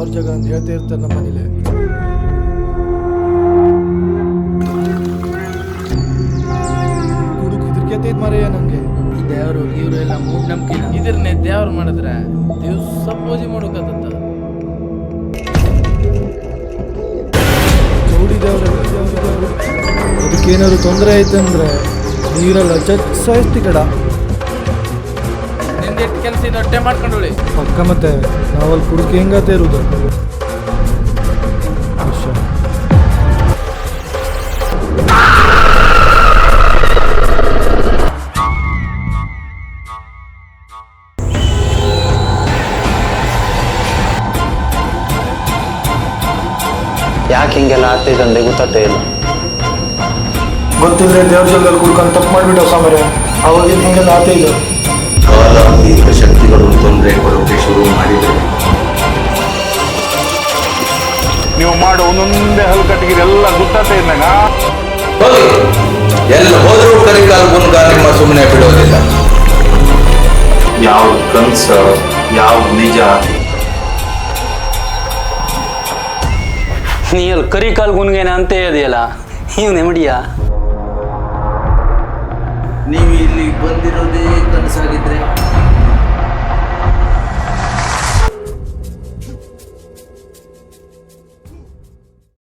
ದೇವ್ರ ಜಾಗ ಅಂತ ಹೇಳ್ತಾ ಇರ್ತಾರೆ ನಮ್ಮ ಮನೇಲಿ. ಹುಡುಗ ಇದ್ರಕೈತೈತ್ ಮಾರಯ್ಯ ನಂಗೆ. ಈ ದೇವರು ಇವರು ಎಲ್ಲ ಮೂಢನಂಬಿಕೆ. ಇದ್ರನ್ನೇ ದೇವ್ರು ಮಾಡಿದ್ರೆ ದಿವ್ಸ ಪೂಜೆ ಮಾಡೋಕತ್ತ. ಚೌಡಿ ದೇವ್ರ ಅದಕ್ಕೇನಾದ್ರು ತೊಂದರೆ ಆಯ್ತಂದ್ರೆ ನೀರೆಲ್ಲ ಸಾಯಿಸ್ತಿ ಕಡ. ನಿಂದೆಷ್ಟು ಕೆಲಸ ಇದೆ ಹೊಟ್ಟೆ ಮಾಡ್ಕೊಂಡೋಳಿ ಪಕ್ಕ. ಮತ್ತೆ ನಾವಲ್ಲಿ ಕುಡುಕಿ ಹೆಂಗತ್ತೆ ಇರುವುದು. ಯಾಕೆ ಹಿಂಗೆಲ್ಲ ಆಗ್ತೈತೆ ಅಂದ್ರೆ ಗೊತ್ತೇ ಇಲ್ಲ. ಗೊತ್ತಿಲ್ಲದೆ ದೇವ್ರ ಜಾಗದಲ್ಲಿ ಕುಡ್ಕೊಂಡು ತಪ್ಪು ಮಾಡಿಬಿಟ್ಟು ಸಾಮರೆ ಅವಾಗಿನ ಹಿಂಗೆಲ್ಲ ಆಗ್ತೈತೆ. ಕಾಲಾತೀತ ಶಕ್ತಿಗಳು ತೊಂದರೆ ಕೊಡೋಕೆ ಶುರು ಮಾಡಿದರೆ ನೀವು ಮಾಡೋ ಒಂದೊಂದೇ ಹಲ್ಕಟ್ಟಿಗೆಲ್ಲ ಗೊತ್ತಾಗ್ತಾ ಇದ್ದಾಗ ಹೋಗಿ ಎಲ್ಲ ಹೋದರೂ ಕರಿಕಾಲ ಗುನ್ಗ ನಿಮ್ಮ ಸುಮ್ಮನೆ ಬಿಡೋದಿಲ್ಲ. ಯಾವ ಕನಸ ಯಾವ ನಿಜ. ನೀ ಅಲ್ಲಿ ಕರಿ ಕಾಲ್ ಗುನ್ಗೇನ ಅಂತ ಹೇಳಿದೆಯಲ್ಲ, ನೀವು ನೆಮ್ಮಡಿಯಾ? ನೀವು ಇಲ್ಲಿ ಬಂದಿರೋದೇ ಕನಸಾಗಿದ್ರೆ